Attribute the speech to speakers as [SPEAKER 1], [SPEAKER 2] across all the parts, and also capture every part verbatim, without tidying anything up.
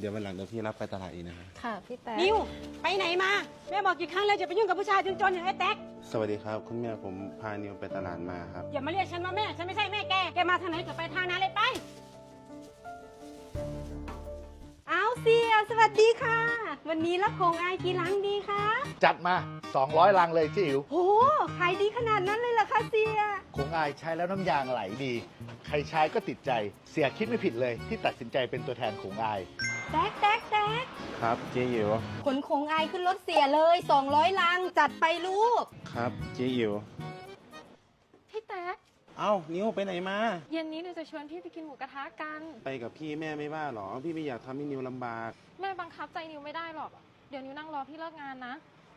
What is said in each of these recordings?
[SPEAKER 1] เดี๋ยววันหลังเดี๋ยวพี่รับไปตลาดอีกนะครับ
[SPEAKER 2] ค่ะพี่แต๊ก
[SPEAKER 3] นิวไปไหนมาแม่บอกกี่ครั้งแล้วจะไปยุ่งกับผู้ชายจนๆอย่างไอ้แต๊ก
[SPEAKER 1] สวัสดีครับคุณแม่ผมพานิวไปตลาดมาครับ
[SPEAKER 3] อย่ามาเรียกฉันว่าแม่ฉันไม่ใช่แม่แกแกมาทางไหนก็ไปทางนั้นเลยไปเอาเสียสวัสดีค่ะวันนี้รับของอายกี่ลังดีคะ
[SPEAKER 4] จัดมาสองร้อยลังเลยจิ๋ว
[SPEAKER 3] โอ้ขายดีขนาดนั้นเลยเหรอคะเสีย
[SPEAKER 4] คงอายใช้แล้วน้ำยางไหลดี ใครใช้ก็ติดใจเสียคิดไม่ผิดเลยที่ตัดสินใจเป็นตัวแทนของอาย
[SPEAKER 3] แต๊กแต๊กแต๊ก
[SPEAKER 1] ครับเจ๊อิ๋ว
[SPEAKER 3] ขนของอายขึ้นรถเสียเลยสองร้อยลังจัดไปลูก
[SPEAKER 1] ครับเจ๊อิ๋ว
[SPEAKER 2] พี่แต๊ก
[SPEAKER 1] เอ้านิวไปไหนมา
[SPEAKER 2] เย็นนี้หนูจะชวนพี่ไปกินหมูกระทะกัน
[SPEAKER 1] ไปกับพี่แม่ไม่ว่าหรอพี่ไม่อยากทำให้นิวลำบาก
[SPEAKER 2] แม่บังคับใจนิวไม่ได้หรอกเดี๋ยวนิวนั่งรอพี่เลิกงานนะ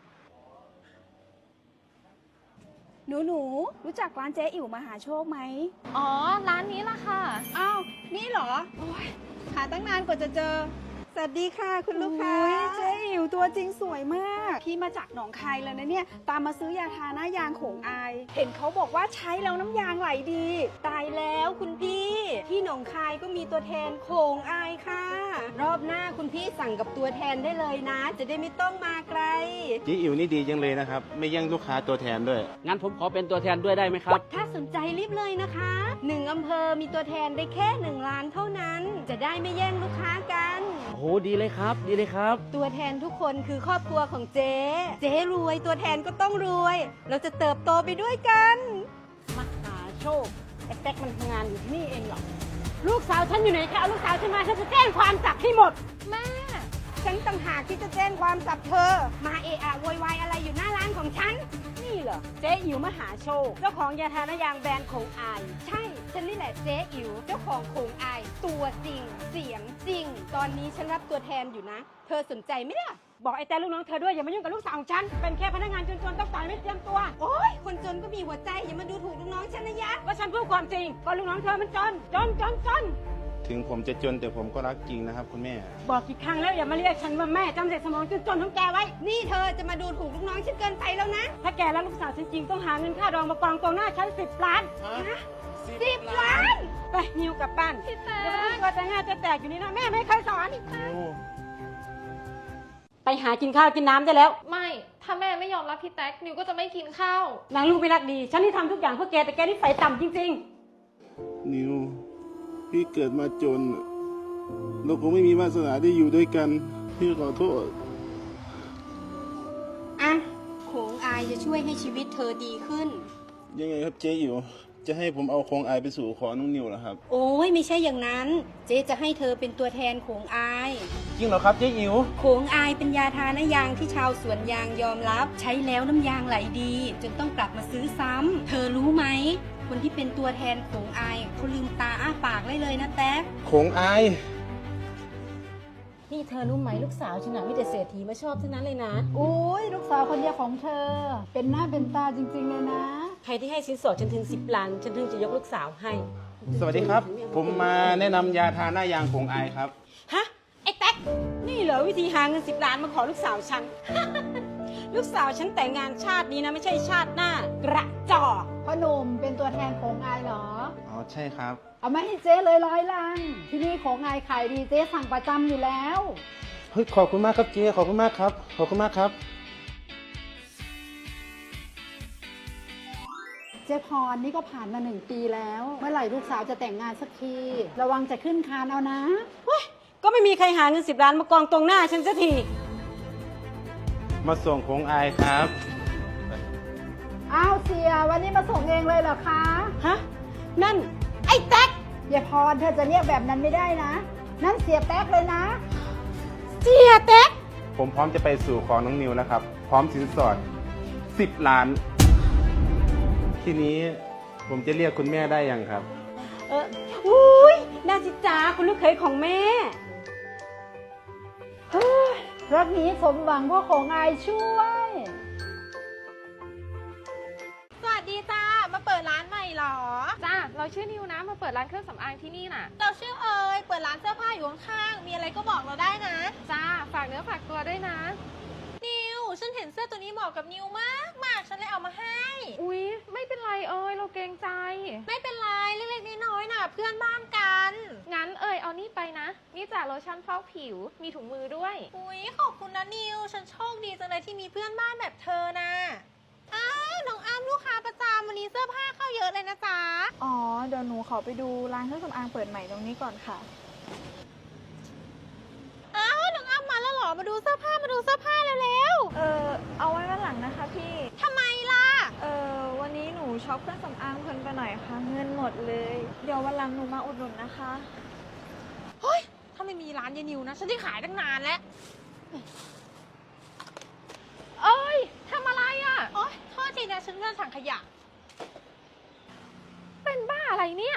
[SPEAKER 5] หนูหนูรู้จักร้านเจ๊อิ๋วมหาโชคไหม
[SPEAKER 2] อ๋อร้านนี้ล่ะค่ะ
[SPEAKER 5] อ้าวนี่เหรอโอ้ยหาตั้งนานกว่าจะเจอสวัสดีค่ะคุณลูกค้าเจ๊อิ๋วตัวจริงสวยมากพี่มาจากหนองคายเลยนะเนี่ยตามมาซื้อยาทาหน้ายางโขงอายเห็นเขาบอกว่าใช้แล้วน้ำยางไหลดี
[SPEAKER 3] ตายแล้วคุณพี่ที่หนองคายก็มีตัวแทนโขงอายค่ะรอบหน้าคุณพี่สั่งกับตัวแทนได้เลยนะจะได้ไม่ต้องมาไกล
[SPEAKER 1] เจ๊อิ๋วนี่ดีจังเลยนะครับไม่แย่งลูกค้าตัวแทนด้วย
[SPEAKER 6] งั้นผมขอเป็นตัวแทนด้วยได้ไหมครับ
[SPEAKER 3] ถ้าสนใจรีบเลยนะคะหนึ่งอำเภอมีตัวแทนได้แค่หนึ่งล้านเท่านั้นจะได้ไม่แย่งลูกค้ากัน
[SPEAKER 6] โอ้โหดีเลยครับดีเลยครับ
[SPEAKER 3] ตัวแทนทุกคนคือครอบครัวของเจ๊เจ๊รวยตัวแทนก็ต้องรวยเราจะเติบโตไปด้วยกันมหาโชคไอ้แต๊กมันทำงานอยู่ที่นี่เองหรอลูกสาวฉันอยู่ไหนคะเอาลูกสาวฉันมาฉันจะแจ้งความจับให้หมด
[SPEAKER 2] แม่
[SPEAKER 3] ฉันต่างหากที่จะแจ้งความจับเธอมาเอะอะโวยวายอะไรอยู่หน้าร้านของฉันนี่เหรอเจ๊อิ๋วมหาโชคเจ้าของยาทาหน้ายางแบรนด์โขงอายใช่ฉันนี่แหละเจ๊อิ๋วเจ้าของโขงอายตัวจริงเสียงจริงตอนนี้ฉันรับตัวแทนอยู่นะเธอสนใจไหมล่ะบอกไอ้แต่ลูกน้องเธอด้วยอย่ามายุ่งกับลูกสาวของฉันเป็นแค่พนักงานจนๆต้องจ่ายไม่เตรียมตัวโอ๊ยคนจนก็มีหัวใจอย่ามาดูถูกลูกน้องฉันนะยะว่าฉันพูดความจริงก็ลูกน้องเธอมันจนจนจนจน
[SPEAKER 1] ถึงผมจะจนแต่ผมก็รักจริงนะครับคุณแม่
[SPEAKER 3] บอกกี่ครั้งแล้วอย่ามาเรียกฉันว่าแม่จำเสร็จสมองจนจนของแกไว้นี่เธอจะมาดูถูกลูกน้องฉันเกินไปแล้วนะถ้าแกรักลูกสาวฉันจริงต้องหาเงินค่าดองมากองตรงหน้าฉันสิบล้านนะสิบล้านไปนิวกลับบ้าน
[SPEAKER 2] พี่แต๊ก
[SPEAKER 3] ก็จะง่าจะแตกอยู่นี่นะแม่ไม่เคยสอนไปหากินข้าวกินน้ำได้แล้ว
[SPEAKER 2] ไม่ถ้าแม่ไม่ยอมรับพี่แต๊กนิวก็จะไม่กินข้าวน
[SPEAKER 3] างลูกไม่รักดีฉันที่ทำทุกอย่างเพื่อแกแต่แกนี่ใส่ต่ำจริง
[SPEAKER 1] ๆนิวพี่เกิดมาจนเราคงไม่มีวาสนาได้อยู่ด้วยกันพี่ขอโทษ
[SPEAKER 3] อ่ะโขงอายจะช่วยให้ชีวิตเธอดีขึ้น
[SPEAKER 1] ยังไงครับเจ๊อิ๋วจะให้ผมเอาโขงอายไปสู่ขอน้องนิวเหรอครับ
[SPEAKER 3] โอ้ยไม่ใช่อย่างนั้นเจ๊จะให้เธอเป็นตัวแทนโขงอาย
[SPEAKER 1] จริงเหรอครับเจ๊อิ๋ว
[SPEAKER 3] โขงอายเป็นยาทาหน้ายางที่ชาวสวนยางยอมรับใช้แล้วน้ำยางไหลดีจนต้องกลับมาซื้อซ้ำเธอรู้ไหมคนที่เป็นตัวแทนโขงอายเขาลืมตาอ้าปากได้เลยนะแต๊ก
[SPEAKER 1] โขงอาย
[SPEAKER 3] นี่เธอรู้ไหมลูกสาวฉันน่ะมีแต่เศรษฐีมาชอบเท่านั้นเลยนะ
[SPEAKER 5] โอ้ยลูกสาวคนเดียวของเธอเป็นหน้าเป็นตาจริงๆเลยนะ
[SPEAKER 3] ใครที่ให้สินสอดฉันถึงสิบล้านฉันถึงจะยกลูกสาวให้
[SPEAKER 1] สวัสดีครับผมมาแนะนำยาทาหน้ายางโขงอายครับ
[SPEAKER 3] ฮะไอ้แต๊กนี่เหรอวิธีหาเงินสิบล้านมาขอลูกสาวฉัน ลูกสาวฉันแต่งงานชาตินี้นะไม่ใช่ชาติหน้ากระจอก
[SPEAKER 5] พ่อหนุ่มเป็นตัวแทนโขงอายเหรอ
[SPEAKER 1] อ๋อใช่ครับ
[SPEAKER 5] เอามาให้เจ๊เลยร้อยลังที่นี่โขงอายขายดีเจ๊สั่งประจำอยู่แล้ว
[SPEAKER 1] เฮ้ยขอบคุณมากครับเจ๊ขอบคุณมากครับขอบคุณมากครับ
[SPEAKER 5] เจ๊พรนี่ก็ผ่านมาหนึ่งปีแล้วเมื่อไหร่ลูกสาวจะแต่งงานสักทีระวังจะขึ้นคานเอานะ
[SPEAKER 3] เฮ้ยก็ไม่มีใครหาเงินสิบล้านมากองตรงหน้าฉันสักที
[SPEAKER 1] มาส่งโขงอายครับ
[SPEAKER 5] อ้าวเสียวันนี้มาส่งเองเลยเหรอคะ
[SPEAKER 3] ฮะนั่นไอ้แต๊ก
[SPEAKER 5] เจ๊พรเธอจะเรียกแบบนั้นไม่ได้นะนั่นเสียแต๊กเลยนะ
[SPEAKER 3] เสียแต๊ก
[SPEAKER 1] ผมพร้อมจะไปสู่ขอน้องนิวนะครับพร้อมสินสอดสิบล้านทีนี้ผมจะเรียกคุณแม่ได้ยังครับ
[SPEAKER 3] เอออุ้ยน่าจิจ้าคุณลูกเขยของแม่
[SPEAKER 5] รักนี้สมหวังเพราะโขงอายช่วย
[SPEAKER 2] สวัสดีจ้ามาเปิดร้านใหม่หรอจ้าเราชื่อนิวนะมาเปิดร้านเครื่องสำอางที่นี่น่ะ
[SPEAKER 7] เราชื่อเอ๋ยเปิดร้านเสื้อผ้าอยู่ข้างๆมีอะไรก็บอกเราได้นะ
[SPEAKER 2] จ้าฝากเนื้อฝากตัวด้วยนะ
[SPEAKER 7] นิวฉันเห็นนเสื้อตัวนี้เหมาะกับนิวมากมากฉันเลยเอามาให้
[SPEAKER 2] อุ๊ย ไม่เป็นไรเอ้ยเราเกรงใจ
[SPEAKER 7] ไม่เป็นไรเล็กๆน้อยๆน่ะเพื่อนบ้านกัน
[SPEAKER 2] งั้นเอ้ยเอานี่ไปนะ นี่จากโลชั่นฟอกผิว มีถุงมือด้วย
[SPEAKER 7] อุ๊ยขอบคุณนะนิวฉันโชคดีจังเลยที่มีเพื่อนบ้านแบบเธอนะอ้าวน้องอ้ำลูกค้าประจำวันนี้เสื้อผ้าเข้าเยอะเลยนะจ๊ะ
[SPEAKER 5] อ๋อ เดี๋ยวหนูขอไปดูร้านเครื่องสำอางเปิดใหม่ตรงนี้ก่อนค่ะ
[SPEAKER 7] อ้าวน้องอ้ำมาแล้วเหรอมาดูเสื้อผ้ามาดูเสื้อผ้าเร็ว
[SPEAKER 5] เออเอาไว้วันหลังนะคะพี่
[SPEAKER 7] ๆทำไมล่ะ
[SPEAKER 5] เออวันนี้หนูช็อปเครื่องสำอางเพลินไปหน่อยค่ะ เงินหมดเลย เดี๋ยววันหลังหนูมาอุดหนุนนะคะ
[SPEAKER 7] เฮ้ยถ้าไม่มีร้านยายนิวนะฉันจะขายตั้งนานแล้ว
[SPEAKER 2] เอ้ยทำอะไรอะ่ะ
[SPEAKER 7] โอ๊ยโทษทีนะฉันเลื่อนถังขยะ
[SPEAKER 2] เป็นบ้าอะไรเนี่ย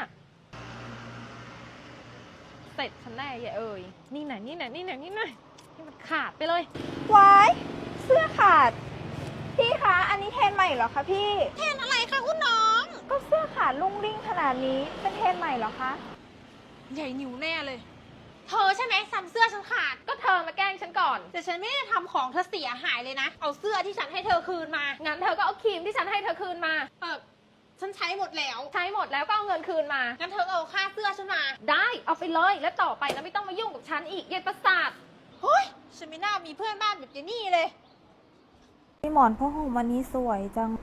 [SPEAKER 2] เสร็จฉันแน่อย่าเอ่ย นี่ไหนนี่ไหนนี่ไหนนี่ไหนนี่มันขาดไปเลย
[SPEAKER 5] วาย เสื้อขาด พี่คะ อันนี้เทรนใหม่เหรอคะพี่
[SPEAKER 7] เทรนอะไรคะคุณน้อง
[SPEAKER 5] ก็เสื้อขาดลุ่งริ่งขนาดนี้ เป็นเทรนใหม่เหรอคะ
[SPEAKER 7] ใหญ่นิวแน่เลย เธอใช่ไหมซ้ำเสื้อฉันขาด
[SPEAKER 2] ก็เธอมาแกล้งฉันก่อน
[SPEAKER 7] แต่ฉันไม่ได้ทำของเธอเสียหายเลยนะ เอาเสื้อที่ฉันให้เธอคืนมา
[SPEAKER 2] งั้นเธอก็เอาครีมที่ฉันให้เธอคืนมา
[SPEAKER 7] เออฉันใช้หมดแล้ว
[SPEAKER 2] ใช้หมดแล้วก็เอาเงินคืนมา
[SPEAKER 7] งั้นเธอเอาค่าเสื้อฉันมา
[SPEAKER 2] ได้เอาไปเลย แล้วต่อไปนะไม่ต้องมายุ่งกับฉันอีกเย็นประสาท
[SPEAKER 7] เฮ้ย ฉันไม่น่ามีเพื่อนบ้านแบบเจนี่เลย
[SPEAKER 5] พี่หมอนพ่อห่มวันนี้สวยจัง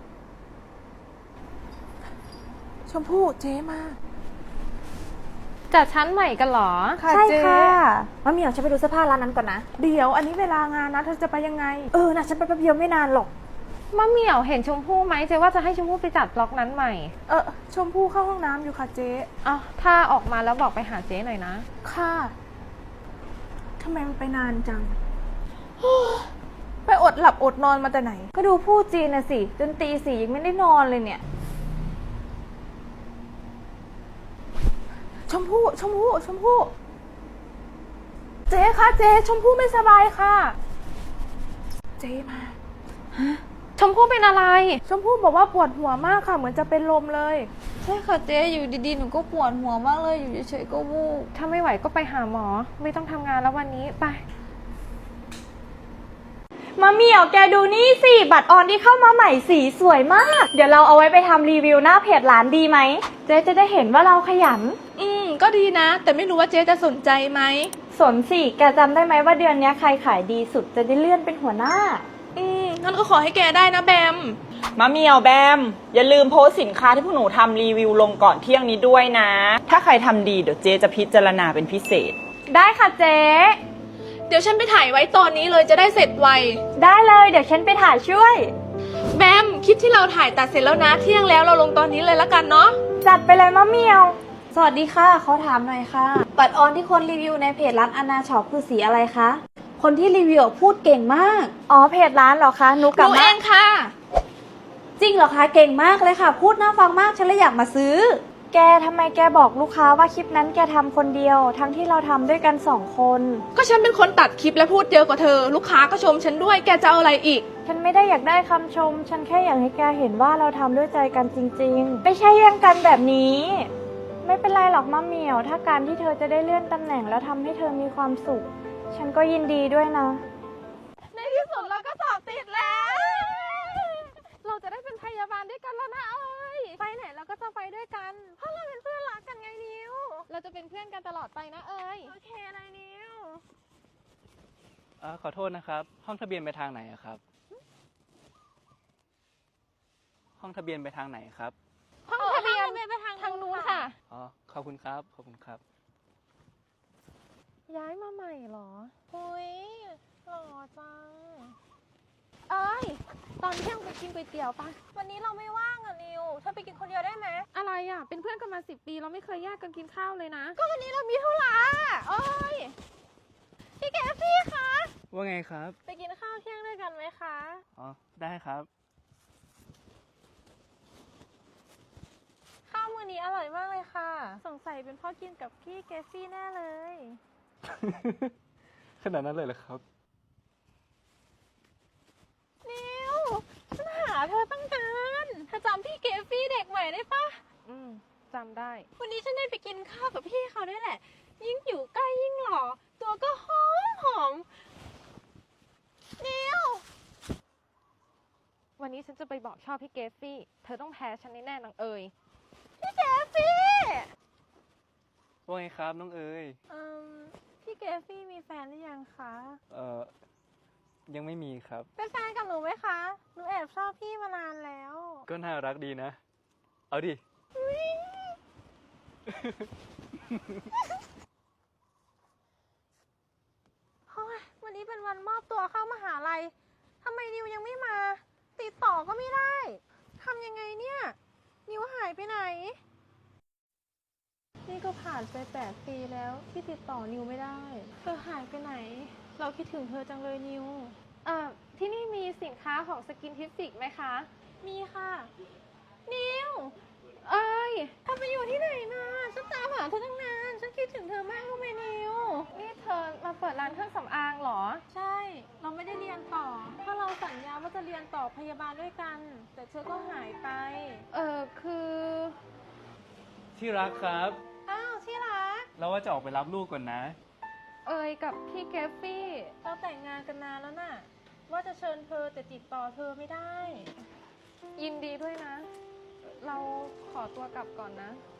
[SPEAKER 8] ชมพู่เจ๊มา
[SPEAKER 2] จัดชั้นใหม่กันเหรอ
[SPEAKER 8] ค่ะ
[SPEAKER 5] ใช่
[SPEAKER 8] เจ๊
[SPEAKER 5] ค่ะมะเหมียวฉันไปดูเสื้อผ้าร้านนั้นก่อนนะ
[SPEAKER 8] เดี๋ยวอันนี้เวลางานนะเธอจะไปยังไง
[SPEAKER 5] เออนะฉันไปแป๊บเดียวไม่นานหรอก
[SPEAKER 2] มะเหมี่ยวเห็นชมพู่ไหมเจ๊ว่าจะให้ชมพู่ไปจัดบล็อกนั้นใหม่
[SPEAKER 8] เออชมพู่เข้าห้องน้ำอยู่ค่ะเจ๊
[SPEAKER 2] อ้าวถ้าออกมาแล้วบอกไปหาเจ๊หน่อยนะ
[SPEAKER 8] ค่ะทำไมมันไปนานจัง ไปอดหลับอดนอนมาแต่ไหน
[SPEAKER 5] ก็ดูพูดจีนนะสิจนตีสี่ยังไม่ได้นอนเลยเนี่ย
[SPEAKER 8] ชมพู่ชมพู่ชมพู่เจ๊คะเจ๊ชมพู่ไม่สบายค่ะ เจ๊มา
[SPEAKER 2] ชมพู่เป็นอะไร
[SPEAKER 8] ชมพู่บอกว่าปวดหัวมากค่ะ เหมือนจะเป็นลมเลย
[SPEAKER 5] ใช่ค่ะเจ๊อยู่ดีๆหนูก็ปวดหัวมากเลยอยู่เฉยๆก็วูบ
[SPEAKER 2] ถ้าไม่ไหวก็ไปหาหมอ ไม่ต้องทำงานแล้ววันนี้ไป
[SPEAKER 9] มาเหมี่ยวแกดูนี่สิ บัตรออนที่เข้ามาใหม่สีสวยมาก เดี๋ยวเราเอาไว้ไปทำรีวิวหน้าเพจร้านดีไหม เจ๊จะได้เห็นว่าเราขยัน
[SPEAKER 8] อืมก็ดีนะ แต่ไม่รู้ว่าเจ๊จะสนใจไหม
[SPEAKER 9] สนสิ แกจำได้ไหมว่าเดือนนี้ใครขายดีสุดจะได้เลื่อนเป็นหัวหน้า
[SPEAKER 8] อืมงั้นก็ขอให้แกได้นะแบม
[SPEAKER 10] มะเหมี่ยวแบม อย่าลืมโพสต์สินค้าที่พวกหนูทำรีวิวลงก่อนเที่ยงนี้ด้วยนะ ถ้าใครทำดีเดี๋ยวเจ๊จะพิจารณาเป็นพิเศษ
[SPEAKER 9] ได้ค่ะเจ๊
[SPEAKER 8] เดี๋ยวฉันไปถ่ายไว้ตอนนี้เลยจะได้เสร็จไว
[SPEAKER 9] ได้เลยเดี๋ยวฉันไปถ่ายช่วย
[SPEAKER 8] แบมคลิปที่เราถ่ายตัดเสร็จแล้วนะ เที่ยงแล้วเราลงตอนนี้เลยละกันเนาะ
[SPEAKER 9] จัดไปเลยมะเหมี่ยว สวัสดีค่ะขอถามหน่อยค่ะ บัตรออนที่คนรีวิวในเพจร้านอนาช็อปคือสีอะไรคะ คนที่รีวิวพูดเก่งมาก อ๋อเพจร้านเหรอคะนุกกับ
[SPEAKER 8] หนูเองค่ะ
[SPEAKER 9] จริงเหรอคะเก่งมากเลยค่ะ พูดน่าฟังมากฉันเลยอยากมาซื้อ แกทำไมแกบอกลูกค้าว่าคลิปนั้นแกทำคนเดียว ทั้งที่เราทำด้วยกันสองคน
[SPEAKER 8] ก็ฉันเป็นคนตัดคลิปและพูดเยอะกว่าเธอ ลูกค้าก็ชมฉันด้วย แกจะเอาอะไรอีก
[SPEAKER 9] ฉันไม่ได้อยากได้คำชม ฉันแค่อยากให้แกเห็นว่าเราทำด้วยใจกันจริงๆ ไม่ใช่แย่งกันแบบนี้ ไม่เป็นไรหรอกมะเหมี่ยว ถ้าการที่เธอจะได้เลื่อนตำแหน่งแล้วทำให้เธอมีความสุข ฉันก็ยินดีด้วยนะ
[SPEAKER 2] ในที่สุดเราก็สอบติดแล้ว เราจะได้เป็นพยาบาลด้วยกันแล้วนะเอ้ย ไปไหนเราก็จะไปด้วยกัน เพราะเราเป็นเพื่อนรักกันไงนิว เราจะเป็นเพื่อนกันตลอดไปนะเอ้ย โอเคอะไรนิว
[SPEAKER 6] เอ่อขอโทษนะครับ ห้องทะเบียนไปทางไหนอะครับ ห้องทะเบียนไปทางไหนครับ
[SPEAKER 2] ห้องทะเบียน
[SPEAKER 7] ไปทาง
[SPEAKER 2] ทางนู้นค่ะ
[SPEAKER 6] อ๋อ ขอบคุณครับ ขอบคุณครับ
[SPEAKER 2] ย้ายมาใหม่เหรอ
[SPEAKER 7] อุ้ยหล่อจัง
[SPEAKER 2] เอ้ย ตอนเที่ยงไปกินก๋วยเตี๋ยวปะ
[SPEAKER 7] วันนี้เราไม่ว่างอะนิวเธอไปกินคนเดียวได้ไหม
[SPEAKER 2] อะไรอ่ะ เป็นเพื่อนกันมาสิบปี เราไม่เคยแยกกันกินข้าวเลยนะ
[SPEAKER 7] ก็วันนี้เรามีธุระเอ้ยพี่แกฟี่คะ
[SPEAKER 6] ว่าไงครับ
[SPEAKER 7] ไปกินข้าวเที่ยงด้วยกันไหมคะ
[SPEAKER 6] อ๋อ ได้ครับ
[SPEAKER 7] ข้าวมื้อนี้อร่อยมากเลยค่ะ สงสัยเป็นเพ่อกินกับพี่แกฟี่แน่เลย
[SPEAKER 6] ขนาดนั้นเลยเหรอครับ
[SPEAKER 7] นิวฉันหาเธอตั้งนานเธอจำพี่เกฟฟี่เด็กใหม่ได้ปะ
[SPEAKER 2] อืมจำได้
[SPEAKER 7] วันนี้ฉันได้ไปกินข้าวกับพี่เขาด้วยแหละ ยิ่งอยู่ใกล้ยิ่งหล่อ ตัวก็หอมหอมนิว
[SPEAKER 2] นี้ฉันจะไปบอกชอบพี่เกฟฟี่ เธอต้องแพ้ฉันแน่ๆนางเอ๋ยพี่เกฟฟี่
[SPEAKER 6] ว่าไงครับน้องเอ๋ย
[SPEAKER 2] อืมพี่เกฟฟี่มีแฟนหรือยังคะ
[SPEAKER 6] เอ่อ ยังไม่มีครับ
[SPEAKER 2] เป็นแฟนกับหนูไหมคะ หนูแอบชอบพี่มานานแล้ว
[SPEAKER 6] ก็น่ารักดีนะ เอาดิ
[SPEAKER 2] เฮ้ยวันนี้เป็นวันมอบตัวเข้ามหาลัยทำไมนิวยังไม่มา ติดต่อก็ไม่ได้ทำยังไงเนี่ย นิวหายไปไหน นี่ก็ผ่านไปแปดปีแล้วที่ติดต่อนิวไม่ได้ เธอหายไปไหน เราคิดถึงเธอจังเลยนิวเอ่อที่นี่มีสินค้าของสกินทิฟิกไหมคะ มีค่ะ นิว เอ้ยเธอไปอยู่ที่ไหนมา ฉันตามหาเธอตั้งนาน ฉันคิดถึงเธอมากรู้ไหมนิว นี่เธอมาเปิดร้านเครื่องสำอางเหรอ ใช่ เราไม่ได้เรียนต่อ ถ้าเราสัญญาว่าจะเรียนต่อพยาบาลด้วยกัน แต่เธอก็หายไป เออคือ
[SPEAKER 6] ที่รักครับ
[SPEAKER 2] อ้าวที่รัก
[SPEAKER 6] เราว่าจะออกไปรับลูกก่อนนะ
[SPEAKER 2] เอยกับพี่เกฟฟี่ เราแต่งงานกันนานแล้วน่ะ ว่าจะเชิญเธอแต่ติดต่อเธอไม่ได้ ยินดีด้วยนะ เราขอตัวกลับก่อนนะ